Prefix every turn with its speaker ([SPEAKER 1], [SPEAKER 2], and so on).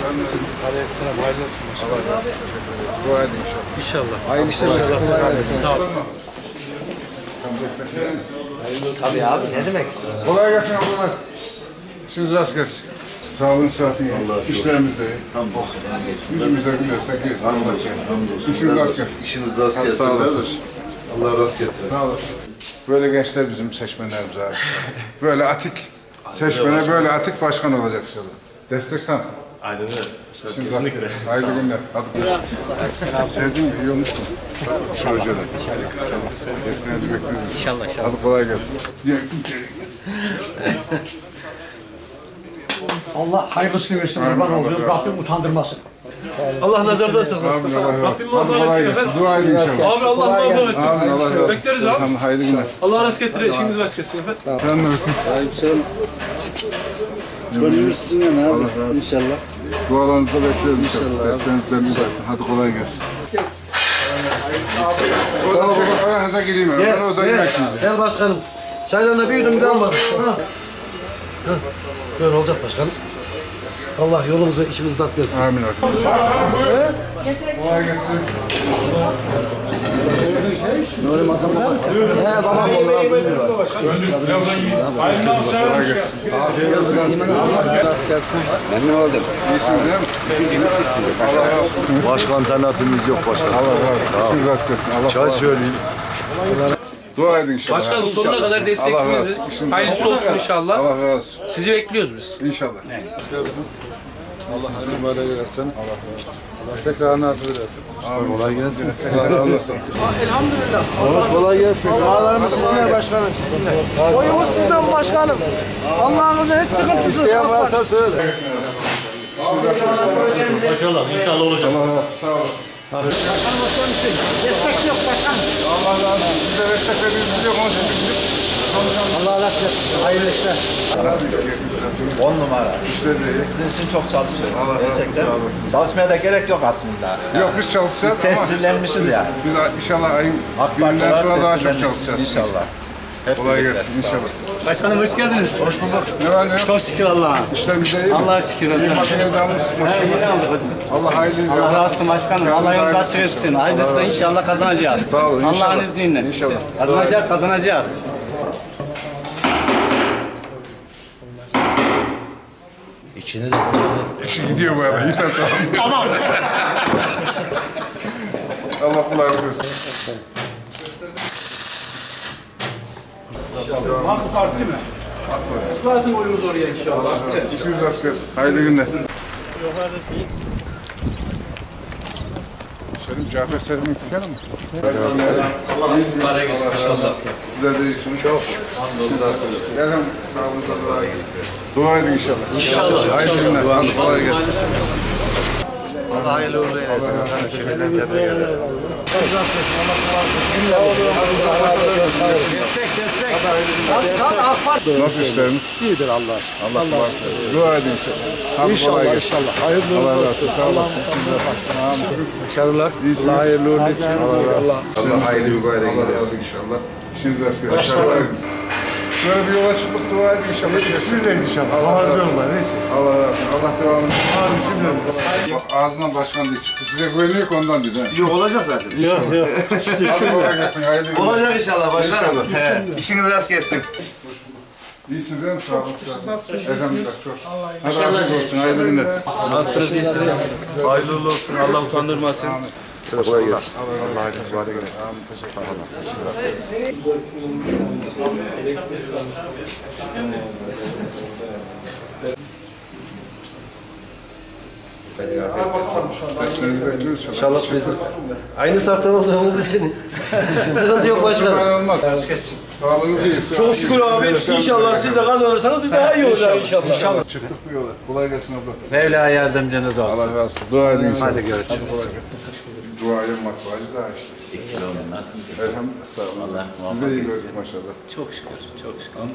[SPEAKER 1] Aleykümselam, hayırlı olsun. Allah razı olsun. Dua edin inşallah.
[SPEAKER 2] İnşallah.
[SPEAKER 1] Hayırlı işler inşallah.
[SPEAKER 2] Sağ olun.
[SPEAKER 3] Tabii abi, ne demek?
[SPEAKER 1] Kolay gelsin ablalar. İşiniz rast gelsin. Sağlığın, sıhhatin iyi. İşlerimiz de iyi.
[SPEAKER 4] Hamdolsun.
[SPEAKER 1] Yüzümüzde gülüyorsak iyiyiz.
[SPEAKER 4] Hamdolsun.
[SPEAKER 1] İşiniz rast gelsin.
[SPEAKER 4] İşiniz rast gelsin.
[SPEAKER 1] Sağ olasın.
[SPEAKER 4] Allah rast getirir.
[SPEAKER 1] Sağ olasın. Böyle gençler bizim seçmenlerimiz abi. Böyle atik seçmene böyle atik başkan olacak inşallah. Destek sen.
[SPEAKER 5] Aynen öyle.
[SPEAKER 1] Kesinlikle. Hayırlı günler. Hadi. Sevdin mi? İyi olmuş mu? Projede. Desteğinizi bekliyoruz.
[SPEAKER 2] İnşallah.
[SPEAKER 1] Hadi kolay gelsin.
[SPEAKER 6] Allah hayırlısını versin, kurban oluyor. Rabbim utandırmasın.
[SPEAKER 5] Allah nazardan saklasın.
[SPEAKER 1] Amin. Allah razı
[SPEAKER 5] Rabbim
[SPEAKER 1] olsun.
[SPEAKER 5] muvaffak etsin efendim.
[SPEAKER 1] Dua edin inşallah.
[SPEAKER 5] Abi Allah muvaffak etsin.
[SPEAKER 1] Amin. Allah razı olsun.
[SPEAKER 5] Bekleriz abi.
[SPEAKER 1] Tamam, hayırlı günler.
[SPEAKER 5] Allah rast getirir. İşiniz rast gelsin efendim.
[SPEAKER 1] Sen de bakın.
[SPEAKER 3] Aleykümselam. Gönlümüz sizinle abi.
[SPEAKER 1] Allah razı olsun.
[SPEAKER 3] İnşallah.
[SPEAKER 1] Dualarınızı da bekliyoruz inşallah. Desteğinizden bir bakın. Hadi kolay gelsin. O da baba ayağınıza gireyim. Ben orada yemek yiyeceğim.
[SPEAKER 3] Gel başkanım. Çaylarına bir yudum bir daha var. Böyle olacak başkanım. Allah yolunuzu işinizi rast gelsin.
[SPEAKER 1] Amin. Kolay gelsin.
[SPEAKER 3] Rast gelsin.
[SPEAKER 1] Memnun oldum. İyisiniz değil mi? Allah razı olsun.
[SPEAKER 4] Başka alternatifimiz yok başkanım.
[SPEAKER 1] Allah razı olsun. İşiniz rast gelsin. Allah
[SPEAKER 4] Çay söyleyeyim.
[SPEAKER 1] Dua edin inşallah.
[SPEAKER 5] Başkanım sonuna kadar
[SPEAKER 1] Allah razı
[SPEAKER 5] desteksiniz.
[SPEAKER 1] olsun. İşiniz
[SPEAKER 5] Hayırlısı
[SPEAKER 1] rast
[SPEAKER 5] olsun inşallah.
[SPEAKER 1] Allah razı olsun.
[SPEAKER 5] Sizi bekliyoruz biz.
[SPEAKER 1] İnşallah.
[SPEAKER 4] Allah hayırlı mübarek eylesin. Allah tekrar nasip edersin.
[SPEAKER 1] Amin. Kolay gelsin. Allah razı olsun.
[SPEAKER 3] Kolay gelsin. Dualarımız sizinle başkanım. Oyumuz sizden başkanım. Allah'ınızın hiç sıkıntısı.
[SPEAKER 1] İsteyen varsa söyle.
[SPEAKER 2] İnşallah. İnşallah olacak.
[SPEAKER 1] Allah razı olsun. Sağ olun.
[SPEAKER 6] Destek yok başkanım.
[SPEAKER 1] Allah razı olsun. Size destek verdiğiniz yok. Onun için bizim
[SPEAKER 6] Allah razı olsun. Hayırlı işler.
[SPEAKER 1] nasıl gidiyor?
[SPEAKER 7] 10 numara.
[SPEAKER 1] İşler de iyi.
[SPEAKER 7] Sizin için çok çalışıyoruz.
[SPEAKER 1] Allah razı olsun.
[SPEAKER 7] Gerçekten.
[SPEAKER 1] Sağ olasın.
[SPEAKER 7] Çalışmaya da gerek yok aslında.
[SPEAKER 1] Yok biz çalışacağız
[SPEAKER 7] Biz
[SPEAKER 1] ama
[SPEAKER 7] tescillenmişiz ya.
[SPEAKER 1] biz inşallah ayın
[SPEAKER 7] AK
[SPEAKER 1] birinden
[SPEAKER 7] Parti
[SPEAKER 1] sonra daha çok
[SPEAKER 7] tescillendik.
[SPEAKER 1] çalışacağız.
[SPEAKER 7] İnşallah. Hep
[SPEAKER 1] Kolay
[SPEAKER 7] birlikte.
[SPEAKER 1] gelsin inşallah.
[SPEAKER 2] Başkanım hoş geldiniz.
[SPEAKER 1] Hoş bulduk. Ne var ne yok?
[SPEAKER 2] Çok şükür Allah'a.
[SPEAKER 1] İşlerimiz de iyi mi?
[SPEAKER 2] Allah'a şükür.
[SPEAKER 1] İyi makineye damlısın.
[SPEAKER 2] Yeni aldık hocam.
[SPEAKER 1] Allah hayırlı
[SPEAKER 2] Allah razı olsun başkanım. Allah yolunuzu açık etsin. Hayırlısı inşallah kazanacağız.
[SPEAKER 1] Sağ olun, inşallah.
[SPEAKER 2] Allah'ın izniyle.
[SPEAKER 1] İnşallah.
[SPEAKER 2] Kazanacak, kazanacak.
[SPEAKER 3] İçine de
[SPEAKER 1] İşi gidiyor bu arada. Yeter tamam. Allah kolaylık versin.
[SPEAKER 5] AK Parti mi? Zaten oyumuz oraya inşallah.
[SPEAKER 1] İşiniz rast gelsin. Hayırlı günler. Selim Cafer Selim'in dükkanı mı?
[SPEAKER 5] Allah mübarek etsin inşallah.
[SPEAKER 1] Sizler de iyisiniz. Çok şükür. Siz nasılsınız? Elhamdülillah. Sağlığınıza dua edin. Dua edin inşallah. İnşallah. Hayırlı günler. Hadi kolay gelsin.
[SPEAKER 3] Allah hayırlı uğurlu eylesin. Şimdiden tebrik ederim.
[SPEAKER 1] Nasıl işleriniz? İyidir Allah. Allah kolaylık versin. Dua edin inşallah. Hadi kolay gelsin.
[SPEAKER 3] İnşallah. Hayırlı
[SPEAKER 1] Allah razı olsun. Sağ olasın.
[SPEAKER 3] Başarılar.
[SPEAKER 1] Allah hayırlı uğurlu etsin.
[SPEAKER 4] Allah hayırlı mübarek
[SPEAKER 1] Allah razı olsun inşallah. İşiniz rast gelsin. Başarılar. Böyle bir yola çıktık dua edin inşallah.
[SPEAKER 4] Bismillah inşallah.
[SPEAKER 1] Allah razı olsun.
[SPEAKER 4] Neyse.
[SPEAKER 1] Allah razı olsun. Allah devamını.
[SPEAKER 4] Abi bismillah.
[SPEAKER 1] Bak ağzından başkan diye çıktı. Size güveniyor ki ondan dedi.
[SPEAKER 4] Yok olacak zaten.
[SPEAKER 1] Hadi kolay gelsin. Hayırlı günler.
[SPEAKER 4] Olacak inşallah başkanım. İşiniz rast gelsin.
[SPEAKER 1] İyisiniz değil mi? Sağ olun. Elhamdülillah. Çok. Hadi afiyet olsun. Hayırlı günler.
[SPEAKER 5] Nasılsınız, iyisiniz? Hayırlı uğurlu olsun. Allah utandırmasın.
[SPEAKER 4] Size kolay gelsin.
[SPEAKER 1] Allah hayırlı mübarek eylesin. Amin. Teşekkür ederim. Derslerinizi bekliyoruz.
[SPEAKER 3] İnşallah biz aynı saftan olduğumuz için sıkıntı yok başkanım.
[SPEAKER 1] Ben olmaz. Sağlığınız iyi.
[SPEAKER 5] Çok şükür abi. İnşallah siz de kazanırsanız biz daha iyi olacağız inşallah.
[SPEAKER 1] Çıktık bu yola. Kolay gelsin abla.
[SPEAKER 2] Mevla yardımcınız olsun.
[SPEAKER 1] Allah razı olsun. Dua edin inşallah.
[SPEAKER 3] Hadi görüşürüz.
[SPEAKER 1] Duaya matbaacı daha işte. Elhamdülillah. Sağ olun. Siz de iyi gördük maşallah.
[SPEAKER 2] Çok şükür. Çok şükür.